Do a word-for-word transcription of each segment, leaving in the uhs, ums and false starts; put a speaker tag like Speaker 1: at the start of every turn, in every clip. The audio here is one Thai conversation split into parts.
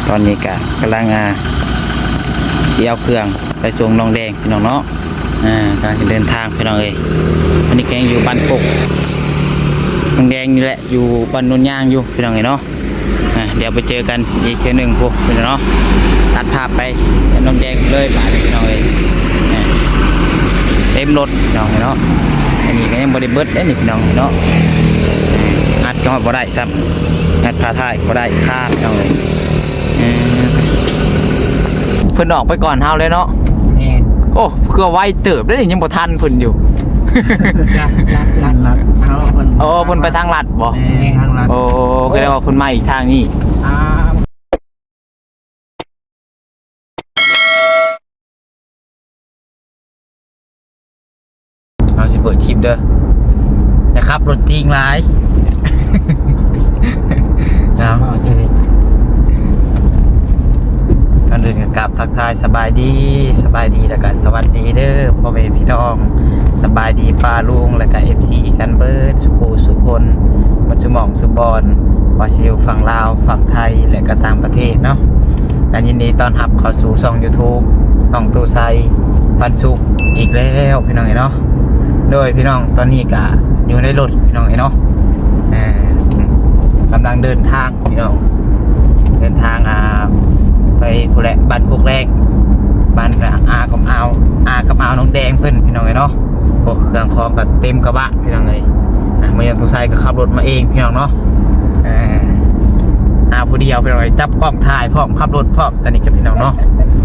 Speaker 1: ตอนนี้ก็กำลังอ่าสิเอาเครื่องไปส่งน้องแดงพี่น้องเนาะอ่ากำลังจะเดินทางพี่น้องเอ้ยวันนี้แกงอยู่บ้านกกน้องแดงนี่แหละอยู่บ้านนนย่างอยู่พี่น้องเอ้ยเนาะอ่าเดี๋ยวไปเจอกันอีกเทื่อหนึ่งพวกพี่น้องเนาะตัดภาพไปน้องแดงเลยบาดพี่น้องเอ้ยเต็มรถพี่น้องเอ้ยเนาะอันนี้ก็ยังบริเบิร์ดได้นี่พี่น้องเอ้ยเนาะอัดก็บ่ได้ซ้ำอัดพาท้ายบ่ได้คาดพี่น้องเอ้ยเพิ่นออกไปก่อนเฮาเลยเนาะ
Speaker 2: แม่น
Speaker 1: โอ้คือไวเติบได้ยังบ่ทันเพิ่นอยู่
Speaker 2: ลัดลัดลัดลัด
Speaker 3: เฮาเพิ่น
Speaker 1: โอ้เพิ่นไปทางลัดบ่
Speaker 3: แม่ทางลัด
Speaker 1: โอ้คือได้ว่าเพิ่นมาอีกทางนี้
Speaker 2: อ่า
Speaker 1: เอาสิเปิดคลิปเด้อจะขับรถติงหลายเอากันเดินกับทักทายสบายดีสบายดีแล้วก็สวัสดีเด้อพ่อแม่พี่น้องสบายดีป้าลุงแล้วก็ เอฟ ซี กันเบิดสุขสุคนมันสมองสุบอนวาซิลฝั่งลาวฝั่งไทยและก็ต่างประเทศเนาะการยินดีต้อนรับเข้าสู่ช่อง YouTube น้องตู้ไซปันสุกอีกแล้วพี่น้องเนาะโดยพี่น้องตอนนี้ก็อยู่ในรถพี่น้องเนาะกำลังเดินทางพี่น้องเดินทางอ่าไปผู้แหละบ้านพวกแรกบ้านอากับอาวอากับอาวน้องแดงเพื่อนพี่น้องเนาะโอ้เครื่องคองกับเต็มกระบะพี่น้องเลยเมื่อยังตัวไซก็ขับรถมาเองพี่น้องเนาะอาผู้เดียวพี่น้องเลยจับกล้องถ่ายพร้อมขับรถพร้อมตอนนี้กับพี่น้องเนาะ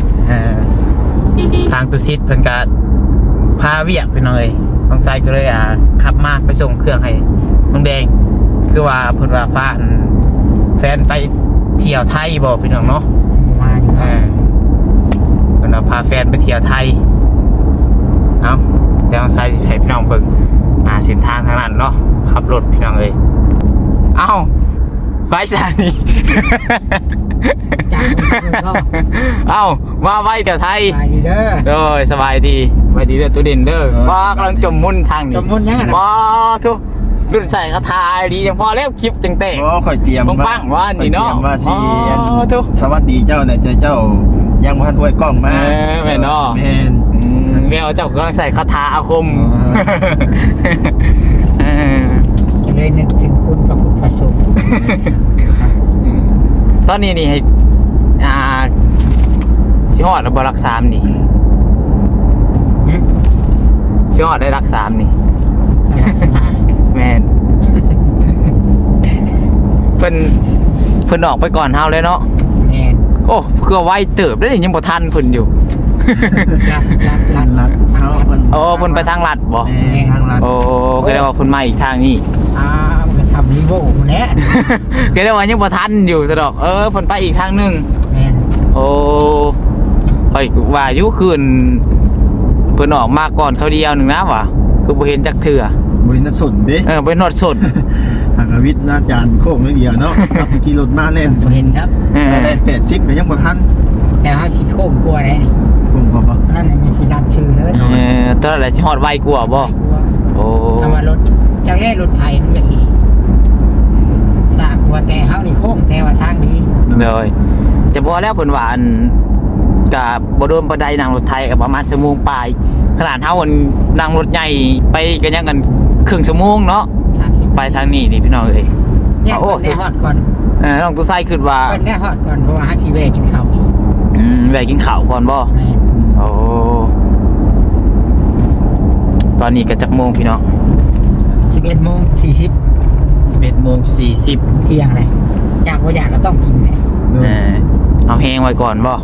Speaker 1: ทางตุซิดเพื่อนก็พาเวียกพี่น้องเลยน้องไซก็เลยอ่าขับมาไปส่งเครื่องให้น้องแดงคือว่าเพื่อนว่าพาแฟนไปเที่ยวไทยบอกพี่น้องเนาะเพื่อนว่าพาแฟนไปเที่ยวไทยเอาเดี๋ยวน้องไซให้พี่น้องเบิ่งอ่าเส้นทางทางนั้นเนาะขับรถพี่น้องเลยเอาไปสถานีเอามาไว้เที่ยวไทย
Speaker 2: สบายดีเด้อ
Speaker 1: โดยสบายดีสบายดีเด้อตัวเด่นเด้อว่ากำลังจมมุ่นทางนี้
Speaker 2: จมมุ่นยังไง
Speaker 1: ว้าทุกรุ่นใส่คาถาดีจังพอแล้วคลิปจังเตะ
Speaker 3: โอ้ข่อยเตรียม
Speaker 1: ปังว่านี่เนาะ
Speaker 3: ว่าสิสวัสดีเจ้าเนี่ยเจ้ายังบ่ทันถ้วยกล้องมา
Speaker 1: แม่นเนาะ
Speaker 3: แม่น
Speaker 1: แม่เจ้ากำลังใส่คาถาอาคม
Speaker 2: จะเลยนึกถึงคุณกับคุณประสงค์
Speaker 1: ตอนนี้นี่ให้อ่าสิฮอดแล้วบ่รักษานี่สิฮอดได้รักษานี่แม่นเพิ่นเพิ่นออกไปก่อนเฮาเลยเนาะ
Speaker 2: แม่น
Speaker 1: โอ้คือไวเติบได้ยังบ่ทันเพิ่นอยู่
Speaker 2: ลัดลัดลัด
Speaker 3: ลัดเฮาเพิ่น
Speaker 1: โอ้เพิ่นไปทางลัดบ่
Speaker 3: แม่ทางลัด
Speaker 1: โอ้คือได้ว่าเพิ่นมาอีกทางนี้
Speaker 2: อ่ามันก็ทำรีโวแน่
Speaker 1: คือได้ว่ายังบ่ทันอยู่ซะดอกเออเพิ่นไปอีกทางนึง
Speaker 2: แม่น
Speaker 1: โอ้ค่อยว่าอยู่คืนเพิ่นออกมาก่อนเขาเดียวนึงนะว่ะคือบ่เห็นจักเทื่อ
Speaker 3: บ่เห็นสดเด้
Speaker 1: เออบ่เห็นนอดสด
Speaker 3: ทางวิทย์อาจารย์โคกนิดเดียวเนาะครับขี่รถมาเล่น
Speaker 2: บ่เห็นครับ
Speaker 3: เล่นแปดสิบก็ยังบ่ทัน
Speaker 2: แต่เฮาสิโค้งกลัวได้นี่
Speaker 3: โค้งบ่บ่
Speaker 2: นั่นน่ะสิลัดชื่อเลย
Speaker 1: เออตอนแรกสิฮอดไวกว่าบ่โอ้
Speaker 2: ถ้ามารถจักแรกรถไทยมันก็สิสากกว่าแต่เฮานี่โค้งแต่ว่าทางดี
Speaker 1: เลยจะพอแล้วเพิ่นว่าอันก็บ่โดนปานใดนั่งรถไทยก็ประมาณชั่วโมงปลายขนาดเฮานั่งรถใหญ่ไปก็ยังกันครึ่งชั่วโมงเนาะไปทางนี้นี่พี่น้องเอ้ย
Speaker 2: เนี่ยโอ้ได้ฮอดก่อน
Speaker 1: เออน้องตู้ไส้คิดว่า
Speaker 2: เพิ่นได้ฮอดก่อนเพราะว่าฮักสิแวะกินข้าวอีก
Speaker 1: อืมแวะกินข้าวก่อนบ่โอ้ตอนนี้ก็จักโมงพี่น้อง
Speaker 2: สิบเอ็ดโมงสี่สิบ
Speaker 1: สิบเอ็ดโมงสี่สิบ
Speaker 2: เที่ยงเลยอยากบ่อยากก็ต้องกินแหละ
Speaker 1: เออเอาแห้งไว้ก่อนบ่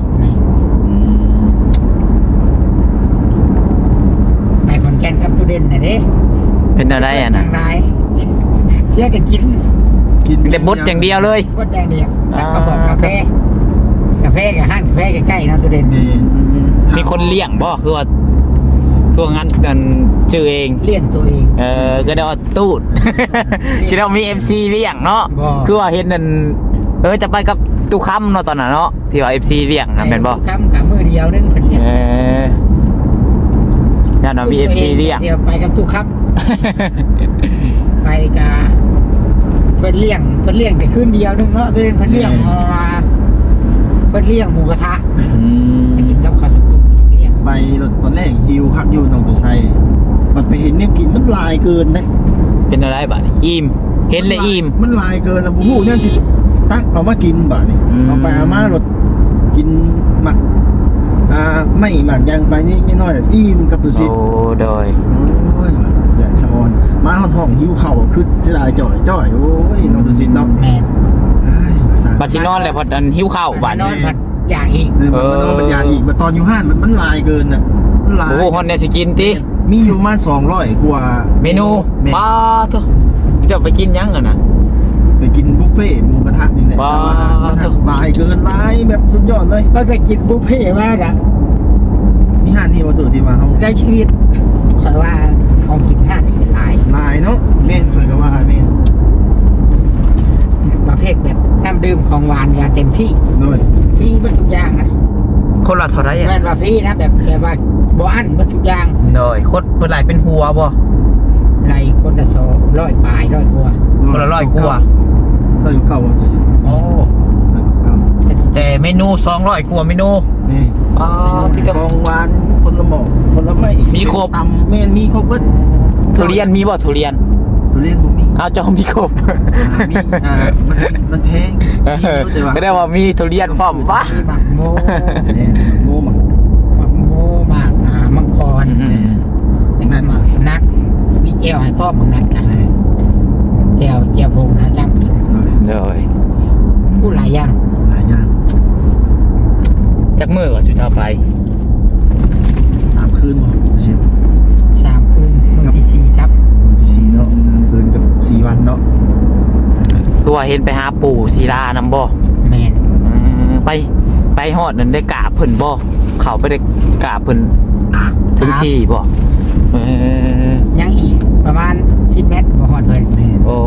Speaker 2: ไปขอนแก่นกับตู้เด่นน่ะเด้
Speaker 1: เป็นอะไรอ่ะนะ
Speaker 2: เที่ยกันกิน
Speaker 1: กินแต่บดอย่างเดียวเลย
Speaker 2: บดอย่างเดียวแล้วก็บอกกาแฟกาแฟกับห้างกาแฟใกล้ๆนะตู้เด่น
Speaker 1: มีคนเลี้ยงบ่คือว่าคือว่างั้นกันชื่อเอง
Speaker 2: เลี้ยงตัวเอง
Speaker 1: เออก็ได้ว่าตูดคิดว่ามี เอ็ม ซี เลี้ยงเนาะคือว่าเห็นนั่นเออจะไปกับตู้ค้ำเนาะตอนนั้นเนาะที่ว่า เอ็ม ซี เลี้ยงนะเป็นบ่
Speaker 2: ตู้ค้ำกับมือเดียวนึงเพิ่นเลี้ยง
Speaker 1: เออนั่นเนาะมี เอ็ม ซี เลี้ยง
Speaker 2: เดี๋ยวไปกับตู้ค้ำไปกับเพิ่นเลี้ยงเพิ่นเลี้ยงแต่คืนเดียวนึงเนาะเพิ่นเพิ่นเลี้ยงมาเลี้ยงหมูกระทะ
Speaker 1: อืม
Speaker 2: ไปกินกับข้าวสุกเลี้ยง
Speaker 3: ไปรถตอนแรกหิวคักอยู่น้องตัวไซมันไปเห็นเนี่ยกินมันลายเกินนะ
Speaker 1: เป็นอะไรบาดนี้อิ่มเห็นแล้วอิ่ม
Speaker 3: มันลายเกินแล้วบูฮู้เนี่ยสิตักเอามากินบ่านี่
Speaker 1: อืม
Speaker 3: เอาไปเอามารถกินหมักอ่าไม่หมักยังไปนี่ไม่น้อยอิ่มกับตัวซิ
Speaker 1: โอ้โดย
Speaker 3: โอ้ยเสียสะออนมาห้องท้องหิวเข่าวคือเสียดายจ่อยจ่อยโอ้ยน้องตัวซิเนาะ
Speaker 2: แมน
Speaker 3: เอ้ยมาสร้าง
Speaker 1: บัดสินอนแล้วพอดันหิวข้าวบาด
Speaker 2: น
Speaker 1: นี้
Speaker 2: อนผัดอย่างอีก
Speaker 3: เออมันมันมันยาอีกมาตอนอยู่ห้านมันมันลายเกินน่ะมันลาย
Speaker 1: โอ้ฮอนเนี่ยสิกินติ
Speaker 3: มีอยู่ประมาสองร้อยกว่า
Speaker 1: เมนู
Speaker 3: แม่
Speaker 1: ป้าเถอะจะไปกินยังอ่ะนะ
Speaker 3: ไปกินบุฟเฟ่ต์หมูกระทะนี่แหละ
Speaker 1: ว้า
Speaker 3: แต่ว่ามันลายเกินลายแบบสุดยอดเลย
Speaker 2: ก็ไปกินบุฟเฟ่ต์มาละ
Speaker 3: มีห้านนี่มาตัวที่มาเขา
Speaker 2: ได้ชีวิตคอยว่าเขากินห้านี่หลาย
Speaker 3: ลายเนาะเม่นเคยก็ว่าเม่น
Speaker 2: ประเภทแบบน้ำดื่มของหวานเนี่ยเต็มที่
Speaker 3: โดย
Speaker 2: ฟรีหมดทุกอย่างนะ
Speaker 1: คนละเท่าไร
Speaker 2: แม่
Speaker 1: อ่ะ
Speaker 2: นว่าฟรีนะแบบแบบว่าบ่อันหมดทุกอย่าง
Speaker 1: โดยคดเพิ่นหลายเป็นหัวบ่
Speaker 2: ไรคนละโซร้อยปลายร้อยกว่า
Speaker 1: คนละร้อยกว่า
Speaker 3: ร้อยกว่าเก้าว่าตัวสิ
Speaker 1: โอ้
Speaker 3: ร้อยกว่าเก้า
Speaker 1: แต่เมนูสองร้อยกว่าเมนู
Speaker 3: นี่
Speaker 1: อ๋อที่จะ
Speaker 3: ของหวานผลไม้ผลไม้
Speaker 1: มีครบ
Speaker 3: ตำเม่นมีครบเบิด
Speaker 1: ทุเรียนมีบ่ทุเรียน
Speaker 3: ทุเรียนบ่มี
Speaker 1: อ้าวเจ้ามีครบ
Speaker 3: อ่ามีอ่ามันมันแพงมีอยู่แต่ว่า
Speaker 1: ก็ได้ว่ามีทุเรียนพร้อมปะ
Speaker 2: มีหมักโม
Speaker 3: เนี่ยโง่มาก
Speaker 2: หมักโมหมักอ่ามังกร
Speaker 1: อืม
Speaker 2: เป็นหมักนัดมีแก้วให้พ่อมังนัดกัน
Speaker 3: นี่
Speaker 2: แก้วแก้วพงหาจำกิน
Speaker 3: เลย
Speaker 1: โดย
Speaker 2: ผู้หลายอย่าง
Speaker 3: หลายอย่าง
Speaker 1: จักมือก่อนจุดเอาไป
Speaker 3: สามคืนบ่เช่น
Speaker 2: สามคืนมือที่สี่ครับ
Speaker 3: วันที่สี่เนาะสามคืนกับสี่วันเนาะ
Speaker 1: คือว่าเห็นไปหาปู่ศิลานำบ่
Speaker 2: แมน
Speaker 1: อืมไปไปฮอดนั่นได้กราบเพิ่นบ่เขาไปได้กราบเพิ่นถึงที่บ่เออ
Speaker 2: ยังอีกประมาณสิบเมตรบ่หอดเลย
Speaker 3: นี่
Speaker 1: โอ้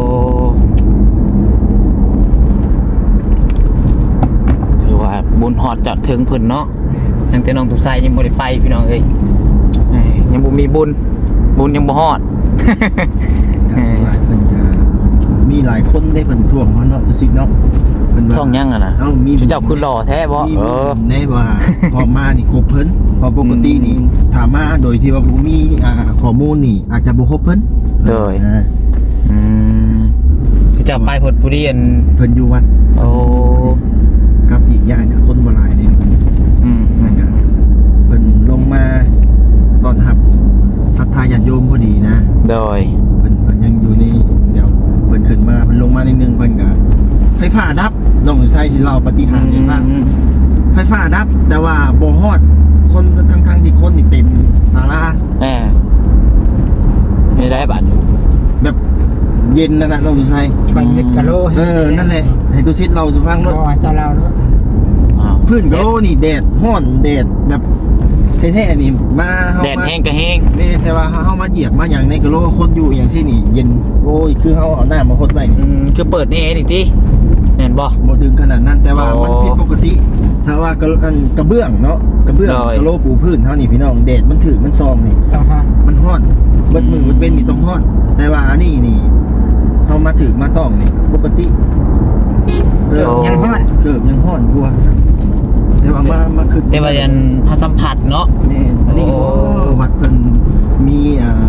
Speaker 1: ถือว่าบุญฮอดจอดถึงเพิ่นเนาะตั้งแต่น้องตุไซยังบ่ได้ไปพี่น้องเอ้ยเอ้ยยังบ่มีบุญบุญยังบ่ฮอด
Speaker 3: หลายเป็นก็มีหลายคนได้เพิ่นท่วงเขาเนาะตัวสิเนาะเพิ่นว่า
Speaker 1: ท่องยังอะนะ
Speaker 3: เอ้ามี
Speaker 1: เจ้าคือหล่อแท้บ่
Speaker 3: มี
Speaker 1: เออ
Speaker 3: แน่ว่าพอมานี่ครบเพิ่นพอปกตินี่
Speaker 1: อืม
Speaker 3: ถามมาโดยที่ว่าบ่มีอ่าข้อมูลนี่ อาจจะบ่ครบเพิ่น
Speaker 1: โดย
Speaker 3: อ่า
Speaker 1: อืมคือจะไปพดผู้เรียน
Speaker 3: เพิ่นอยู่วัด
Speaker 1: โอ้
Speaker 3: กับอีกอย่างก็คนบ่หลายนี่เพิ่น
Speaker 1: อืมอืมอืม
Speaker 3: เพิ่นลงมาต้อนรับศรัทธาญาติโยมพอดีนะ
Speaker 1: โดย
Speaker 3: เพิ่นเพิ่นยังอยู่นี่เดี๋ยวเพิ่นขึ้นมาเพิ่นลงมานิดนึงเพิ่นก็ไฟฟ้าดับน้องใส่สิเล่าปาฏิหาริย์ให้ฟัง
Speaker 1: อืม
Speaker 3: ไฟฟ้าดับ แต่ว่าบ่ฮอดคนทั้งๆที่คนนี่เต็มศาลา
Speaker 1: แหมไม่ได้บัตร
Speaker 3: แบบเย็นนั่นน่ะน้องใส่
Speaker 2: ไปยึดกะโล
Speaker 3: เออนั่นแหละให้ตุสิตเราสิฟัง
Speaker 2: ก็
Speaker 3: เนาะ
Speaker 2: เจ้าเราเนาะ
Speaker 1: อ้าว
Speaker 3: พื้นกะโลนี่แดดร้อนแดดแบบแท้ๆนี่มาเฮา
Speaker 1: แดด
Speaker 3: มา
Speaker 1: แห้งก็แห้ง
Speaker 3: แม่แต่ว่าเฮามาเหยียบมาอย่างในกะโลคนอยู่อย่างซี่นี่เย็นโอ้ยคือเฮาเอาน้ามาพดไว้นี่
Speaker 1: อืมคือเปิดแอร์นี่ติแม่นบ่
Speaker 3: บ่ถึงขนาดนั้นแต่ว่า
Speaker 1: โอ้
Speaker 3: มันผิดปกติ ถ้าว่ากระอันกระเบื้องเนาะกระเบื้อง
Speaker 1: โดย
Speaker 3: กระโลปูพื้นเท่านี้พี่น้องแดดมันถึกมันซองนี่
Speaker 2: ต้องฮอด
Speaker 3: มันฮ้อนเบิดมือเบิดเป็นนี่ต้องฮ้อน แต่ว่าอันนี้นี่เฮามาถึกมาต้องนี่ปกติเออ
Speaker 2: ยังฮอด
Speaker 3: เกิบยังฮ้อนกว่าแต่ว่ามามาขึ้น
Speaker 1: แต่ว่ายันเฮาสัมผัสเนาะ
Speaker 3: แม่นอันนี้
Speaker 1: โอ้
Speaker 3: โอ้วัดเพิ่นมีอ่า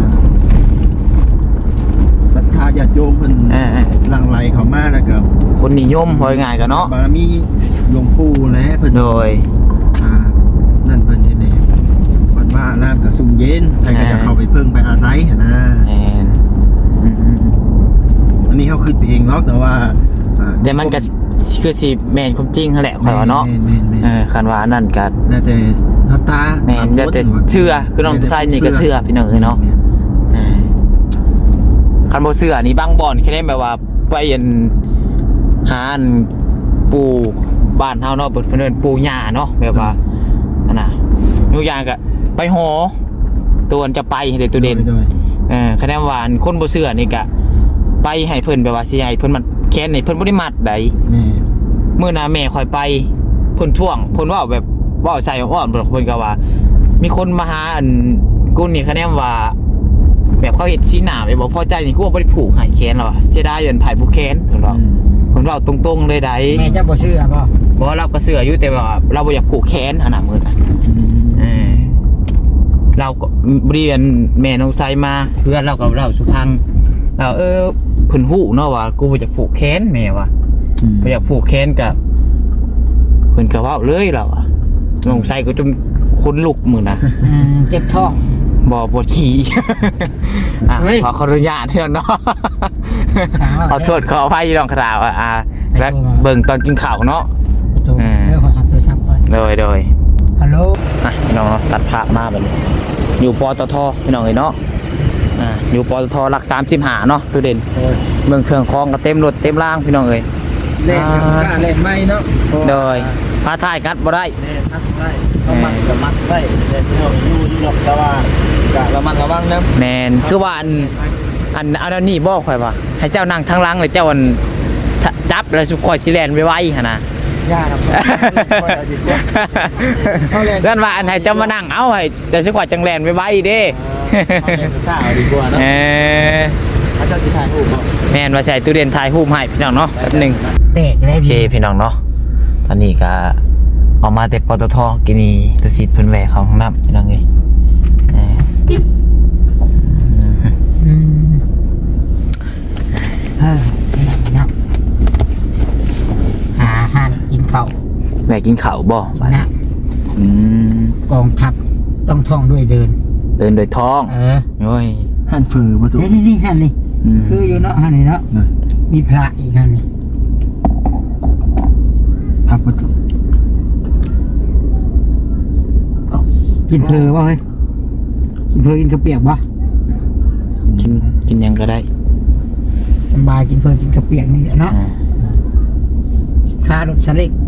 Speaker 3: ศรัทธาญาติโยมเพิ่น
Speaker 1: อ่า
Speaker 3: หลั่งไหลเข้ามาแล้วก็
Speaker 1: ๆคนนิยมพอยง่ายกันเนาะ
Speaker 3: บารมีหลวงปู่และเพิ่น
Speaker 1: โดย
Speaker 3: อ่านั่นเพิ่นนี่แน่วัดว่าน้ำกับซุ่มเย็นใครก็จะเข้าไปเพิ่งไปอาศัยหั้นนะ
Speaker 1: แม่นอืมอืมอืม
Speaker 3: อันนี้เขาขึ้นไปเองเนาะแต่ว่าอ่า
Speaker 1: แต่มันก็คือสิแม่นความจริงนั่นแหละข่อยว่าเนาะ
Speaker 3: แม่นแม่นแม่น
Speaker 1: เออคันว่าอันนั่นก็
Speaker 3: แล้วแต่ศรัทธา
Speaker 1: แม่นแล้วแต่เชื่อคือน้องชายนี่ก็เชื่อพี่น้องเอ้ยเนาะ เออคันโบเสือนี่บางบ่อนแค่ได้แบบว่าไปอันหาอันปูบ้านเฮาเนาะเพิ่นเอิ้นปูหญ้าเนาะแบบว่าอันน่ะยกอย่างก็ไปหอตัวอันจะไปให้เด็กตัวเด่น
Speaker 3: โดย
Speaker 1: เออคะแนนว่าอันคนบ่เสือนี่ก็ไปให้เพิ่นแบบว่าสิให้เพิ่นมัดแค้นให้เพิ่นบ่ได้มัดใด
Speaker 3: แม่
Speaker 1: มื้อหน้าแม่ค่อยไปเพิ่นท่วงเพิ่นเว้าแบบเว้าใส่อ้อนเพิ่นก็ว่า มีคนมาหาอันกูนี่คะแนนว่า แบบเขาเห็นสีหนาไปบอกพอใจนี่กูว่าบ่ได้ผูกใหายแค้นหรอเสียดายเงินไผ่บุแค้นเห็นหรอ
Speaker 3: อืม
Speaker 1: เพิ่นเว้าตรงๆเลยได้
Speaker 2: แม่เจ้าบ่เชื่อบ่
Speaker 1: บ่เราก็เชื่ออยู่แต่ว่าเราบ่อยากผูกแขนอันน่ะมื้อน่ะเออเราก็บ่ได้อันแม่น้องไซมาเพื่อนเราก็เล่าสุพังเราเออเพิ่นฮู้เนาะว่ากูบ่อยากผูกแขนแม่ว่าบ่อยากผูกแขนกับเพิ่นก็เว้าเลยเราอ่ะน้องไซก็จนคนลุกมื้อน่ะ
Speaker 2: อืมเจ็บท้อง
Speaker 1: บ่ปวดขี่ อ่ะ
Speaker 2: เฮ้ย
Speaker 1: ขอขออนุญาตเถอะเนาะ
Speaker 2: ถามว่า
Speaker 1: ขอโทษขออภัยน้องข่าวอ่ะอ่า
Speaker 2: ไป
Speaker 1: แล้ว
Speaker 2: โทรมา
Speaker 1: เบิ่งตอนกินข้าวเนาะ
Speaker 2: โทร
Speaker 1: อืม
Speaker 2: เดี๋ยวขอหับโทรศัพท์ก่อน
Speaker 1: โดยโดย
Speaker 2: ฮัลโหล
Speaker 1: อ่ะพี่น้องเนาะตัดภาพมาแบบนี้อยู่ปตทพี่น้องเอ้ยเนาะอ่าอยู่ปตทหลักสามสิบห้าเนาะตัวเด่นเมืองเครื่องคลองก็เต็มรถเต็มล่างพี่น้องเอ้ย
Speaker 3: เล่นกับกล้าเล่นไม่เนาะ
Speaker 1: โดยพาถ่ายกัดบ่ได้
Speaker 3: เล่นทักได้ต้องมัดกับมัดได้เล่นที่เราอยู่อยู่หรอกแต่ว่ากะระมัดระวังนะ
Speaker 1: แมนคือว่าอันอันอันนั้นนี่บอกข่อยว่าให้เจ้านั่งทางหลังเลยเจ้าอันถ้าจับแล้วสุข่อยสิแลนไว้ๆหั่นน่ะ
Speaker 2: ย่าครับ
Speaker 1: นั่นว่าอันให้เจ้ามานั่งเอาให้แต่สุข่อยจังแลนไว้ๆเด้
Speaker 3: เอาเล่นซ่าเอาดีกว่าเนาะ
Speaker 1: เออ
Speaker 3: พระเจ้าจะถ่ายรูปเนาะ
Speaker 1: แม่นว่าใส่ตู้เด่นถ่ายรูปให้พี่น้องเนาะแป๊บหนึง
Speaker 2: เตะได้
Speaker 1: โอเค
Speaker 2: พี่
Speaker 1: พี่น้องเนาะตอนนี้ก็ออกมาแต่ปตทกินีตุสิตเพิ่นแหวะเข้าห้องน้ำพี่น้องเอ้ยเออ
Speaker 2: อืมเออเนาะหาอาหารกินข้าว
Speaker 1: แหวะกินข้าวบ่บัดนี้
Speaker 2: นะ
Speaker 1: อืม
Speaker 2: กองทัพต้องท่องด้วยเดิน
Speaker 1: เดินโดยท้อง
Speaker 2: เออ
Speaker 1: โอ้ย
Speaker 3: หันฝือประตู
Speaker 2: นี่นี่นี่ฮันนี่
Speaker 1: อืม
Speaker 2: คืออยู่เนาะฮันนี่เนาะ
Speaker 3: เลย
Speaker 2: มีพระอีกฮันนี่
Speaker 3: พักประตู
Speaker 2: กินเพลบ่เฮ้ยกินเพลกินกระเปียกบ่
Speaker 1: กินกินหยังก็ได้
Speaker 2: สบายกินเพลกินกระเปียกนี่แหละเนาะ
Speaker 1: อ่า
Speaker 2: คารถสลิก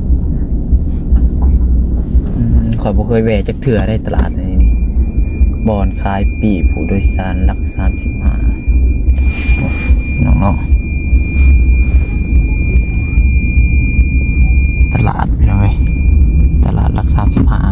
Speaker 1: อืมข่อยบ่เคยแหวะจักเถื่อได้ตลาดนี้บ่อนขายปีผู้โดยสารหลักสามสิบห้าน้องเนาะตลาดพี่น้องเอ้ยตลาดหลักสามสิบห้า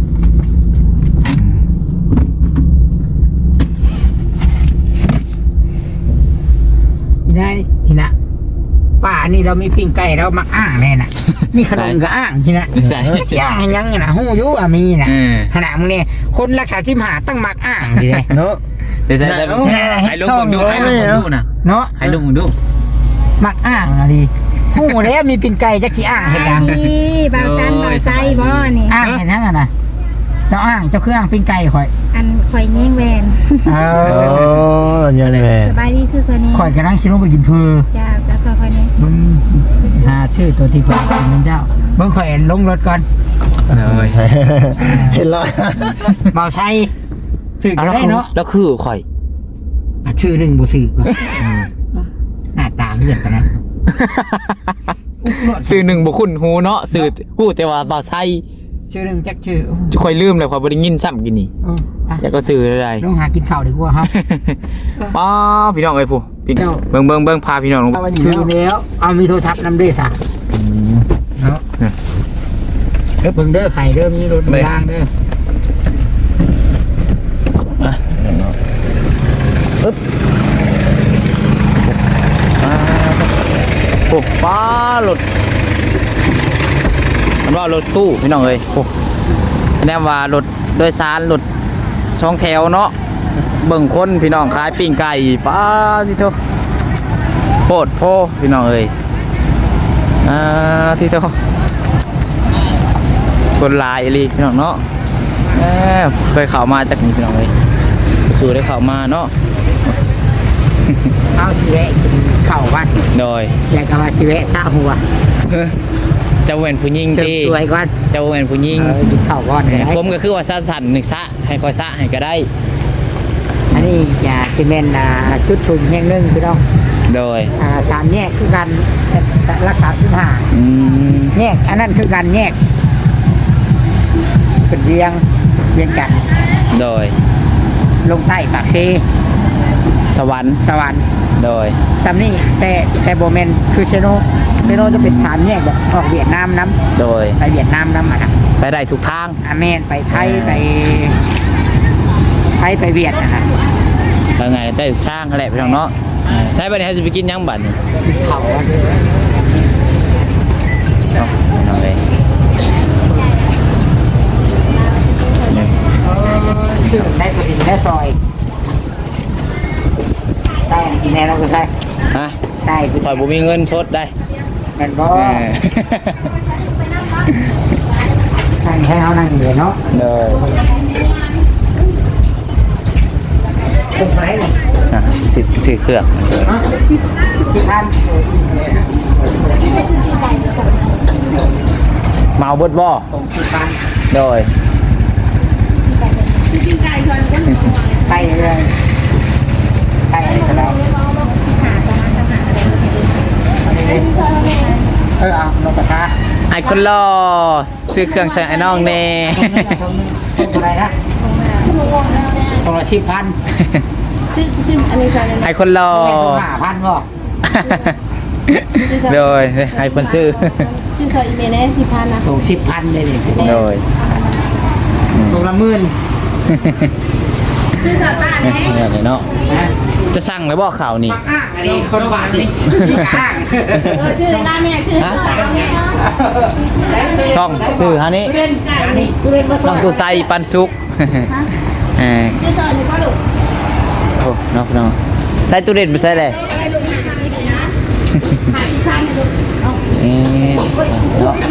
Speaker 2: นี่ได้ที่นะป่านี่เรามีปิ้งไก่เรามักอ้างแน่น่ะ มีขนมก็อ้างที่นะ
Speaker 1: ใช่
Speaker 2: สิอ้างให้ยังไงนะฮู้อยู่อ่ะมีน่ะ
Speaker 1: เออ
Speaker 2: ขนาดมึงเนี่ยคนรักษาที่มหาตั้งมักอ้างดีเลย
Speaker 3: เนาะ
Speaker 1: เดี๋ยวใส่ใส่
Speaker 3: เอา
Speaker 1: ให้ลูกมึงดูให้ลูกมึงดูนะ
Speaker 2: เนาะ
Speaker 1: ให้ลูกมึงดู
Speaker 2: มักอ้างนะดีฮู้แล้วมีปิ้งไก่จักสิอ้างเห็นยัง
Speaker 4: นี่บ่าวจันบ่าวไซบ่นี่
Speaker 2: อ้างเห็นทั้งนั้นน่ะเจ้าอ้างเจ้าคืออ้างปิ้งไก่ข่อย
Speaker 4: อันข่อยแย่งแวน
Speaker 2: เอ
Speaker 3: โอ้
Speaker 2: อ
Speaker 3: ยังไง
Speaker 4: สบายดีซื่อตัวนี้
Speaker 2: ข่อยกำลังชิลงไปกินเพอ
Speaker 4: จ้าจะสอนข่อยนี่
Speaker 2: มึงหาชื่อตัวที่ข่อยกินนั่นเจ้าเบิ่งข่อยลงรถก่อน
Speaker 3: เห็นรอย
Speaker 2: เบาไซถือ
Speaker 1: เอา
Speaker 2: ก็
Speaker 1: แล้ว
Speaker 2: ได้
Speaker 1: คือ
Speaker 2: เนาะ
Speaker 1: แล้วคือข่อย
Speaker 2: อ่ะชื่อหนึ่งบุถือก่อนหน้าตาเหือดปะนั้น
Speaker 1: สื่อหนึ่งบุคุณหูเนาะสื่อหูแต่ว่าบ่าวไซ
Speaker 2: ชื่อหนึ่งจักชื่อโอ้
Speaker 1: จะค่อยลืมเลยข่อยบ่ได้ยินซ้ำกินนี่
Speaker 2: โอ้อ่ะ
Speaker 1: อยากก็สื่ออะไร
Speaker 2: ลองหากินข้าวดีกว่าครับ
Speaker 1: ป้าพี่น้องเอ้ยผู้พี่
Speaker 2: เจ้า
Speaker 1: เบิ่งเบิ่งเบิ่งพาพี่น้องลง
Speaker 2: คือแล้วเอามีโทรศัพท์นำด้วยสะเนาะเบิ่งเด้อไข่เด้อมีรถมีล่างเด้อ
Speaker 1: โอ้ป้ารถมันว่ารถตู้พี่น้องเอ้ยโอ้แน่ว่ารถโดยสารรถช่องแถวเนาะเบิ่งคนพี่น้องขายปิ้งไก่ป้าที่โตโพดโพพี่น้องเอ้ยอ่าที่โตคนหลายอีหลีพี่น้องเนาะแหมเคยเข้ามาจากนี้พี่น้องเอ้ยสู่ได้เข้ามาเนาะ
Speaker 2: เอาสิแวะกินข้าววัด
Speaker 1: โดย
Speaker 2: แล้วก็ว่าสิแวะซะหัว
Speaker 1: เจ้าเวนผู้หญิง
Speaker 2: เชิญ
Speaker 1: ที่
Speaker 2: สวยก่อน
Speaker 1: เจ้าเวนผู้หญิง
Speaker 2: เออกินข้าวก่อนได้
Speaker 1: ผมก็คือว่าสั้นๆหนึ่งซะให้คอยซะให้ก็ได้
Speaker 2: อันนี้ยาซีเมนต์อ่าจุดชุมแห่งหนึ่งพี่น้อง
Speaker 1: โดย
Speaker 2: อ่าสามแยกคือกันรักษาสิบห้า
Speaker 1: อืม
Speaker 2: แยกอันนั้นคือการแยกเป็นเวียงเวียงกันทน์
Speaker 1: โดย
Speaker 2: ลงใต้ปากเซ
Speaker 1: สวรรค์
Speaker 2: สวรรค์
Speaker 1: โดย
Speaker 2: ซัมนี่แต่แต่โบเมนคือเซโนเซโนจะเป็นสามแยกแบบออกเวียดนามน้
Speaker 1: โดย
Speaker 2: ำไปเวียดนามน้ำอ่ะนะ
Speaker 1: ไปได้ทุกทาง
Speaker 2: อาเมนไปไทยไปไทยไปเวียดนะนะ
Speaker 1: ไปไงได้ทุกช่างนั่นแหละพี่น้องเนาะใช้บัดนี้จะไปกินยังบัดนี่
Speaker 2: กินข้าวอะ
Speaker 1: เอาเอาเลยนี่
Speaker 2: ชื่อได้กระดิ่งได้ซอยได้กินแน่เราก็ใช่
Speaker 1: ฮะ
Speaker 2: ได้กิน
Speaker 1: ข่อยบ่มีเงินชดได้
Speaker 2: แม่นบ่
Speaker 1: เออ
Speaker 2: นั่งให้เขานั่งเดี๋ยวเนาะ
Speaker 1: เด้อ
Speaker 2: สุดท้ายเลย
Speaker 1: อ่ะสิซื้อเครื่อง
Speaker 2: สิพัน
Speaker 1: เมาเบิดบ่
Speaker 2: ตรงสิพัน
Speaker 1: โดย
Speaker 2: ไปเลยไปอะไรก็ได้เออเอานกกระทะ
Speaker 1: ไอ้คนรอซื้อเครื่องใส่ไอ้น้องแน่
Speaker 2: ตรงอะไรนะตรงละสิบพัน
Speaker 4: ซึ่งซึ่งอันนี้จะ
Speaker 1: ไอ้คนรอ
Speaker 2: ไม่ตรงห้าพันบ่
Speaker 1: โดยไอ้คนซื้อ
Speaker 4: ซึ่งซอยอีเมลได้สิบพันนะ
Speaker 2: ตรงสิบพันเลยนี่
Speaker 1: โดย
Speaker 2: ตรงละหมื่น
Speaker 4: ซึ่งซอยบ้าน
Speaker 1: เนี่ย
Speaker 4: แน่
Speaker 1: เนี่ยเนาะ
Speaker 2: นะ
Speaker 1: จะสั่งเลยบ่ข่าวนี่
Speaker 2: มักอ้างอันนี้คนบาทนี่อ้าง
Speaker 4: เออชื่อร้านเนี่ยชื่อร้านเนี่ย
Speaker 1: ช่องซื้อฮะนี่
Speaker 2: เล่นอันนี้เล่นมาส
Speaker 1: น้องตู้ไซปันสุกเออ
Speaker 4: ชื่อซอยนี่ก็ลูก
Speaker 1: โอ้น้องน้องใส่ตู้เด็ดไปใส่เลย
Speaker 4: อะไรลูกหาดีดีนะหาที่ข้างเนี่ยลูกเอา
Speaker 1: เอ๊ะเนาะ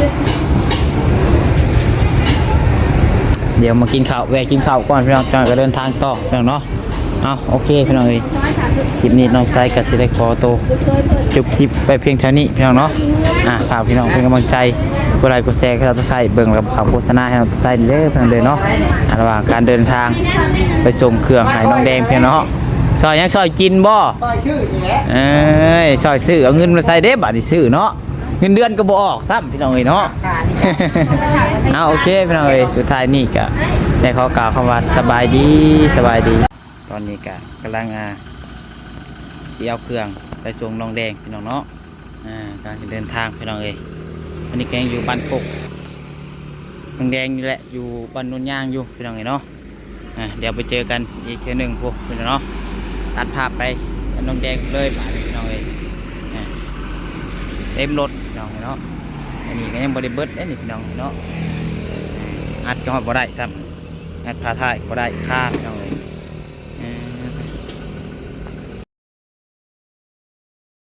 Speaker 1: เดี๋ยวมากินข้าวแวะกินข้าวก่อนพี่น้องก่อนก็เดินทางต่อพี่น้องเนาะเอาโอเคพี่น้องเอ้ย
Speaker 4: ร้อยสามสิบ
Speaker 1: คลิปนี้น้องไซกับสิได้ขอโตว
Speaker 4: เคยเปิด
Speaker 1: จบคลิปไปเพียงเท่านี้พี่น้องเนาะอ่ะฝากพี่น้องเป็นกำลังใจกดไลค์กดแชร์ให้เราทุกท่านเบิ่งแล้วก็ข่าวโฆษณาให้เราทุกท่านเด้อเพียงเลยเนาะอ่ะระหว่างการเดินทางไปส่งเครื่องให้น้องแดงเพียงเนาะซอยยังซอยกินบ่
Speaker 2: ต่อยชื่อนี่แหละ
Speaker 1: เอ้ยซอยซื้อเอาเงินมาใส่เด้บัดนี้ซื้อเนาะเงินเดือนก็บ่ออกซ้ำพี่น้องเอ้ยเนาะ
Speaker 2: อ่านี่
Speaker 1: เอาโอเคพี่น้องเอ้ยสุดท้ายนี่ก็ได้ขอกล่าวคำว่าสบายดีสบายดี ตอนนี้ก็กำลังอ่าสิเอาเครื่องไปส่งน้องแดงพี่น้องเนาะอ่ากำลังจะเดินทางพี่น้องเอ้ยวันนี้แกยังอยู่บ้านกกน้องแดงนี่แหละอยู่บ้านนุ่นย่างอยู่พี่น้องเอ้ยเนาะอ่าเดี๋ยวไปเจอกันอีกเทื่อหนึงพวกพี่น้องเนาะตัดภาพไปกับน้องแดงเลยบาดนี้พี่น้องเอ้ยอ่าเต็มรถพี่น้องเอ้ยเนาะอันนี้ก็ยังบริเบิดเด้นี่พี่น้องเอ้ยเนาะอัดก็ฮอดบ่ได้ซ้ำอัดพาถ่ายบ่ได้ค่าพี่น้องเอ้ย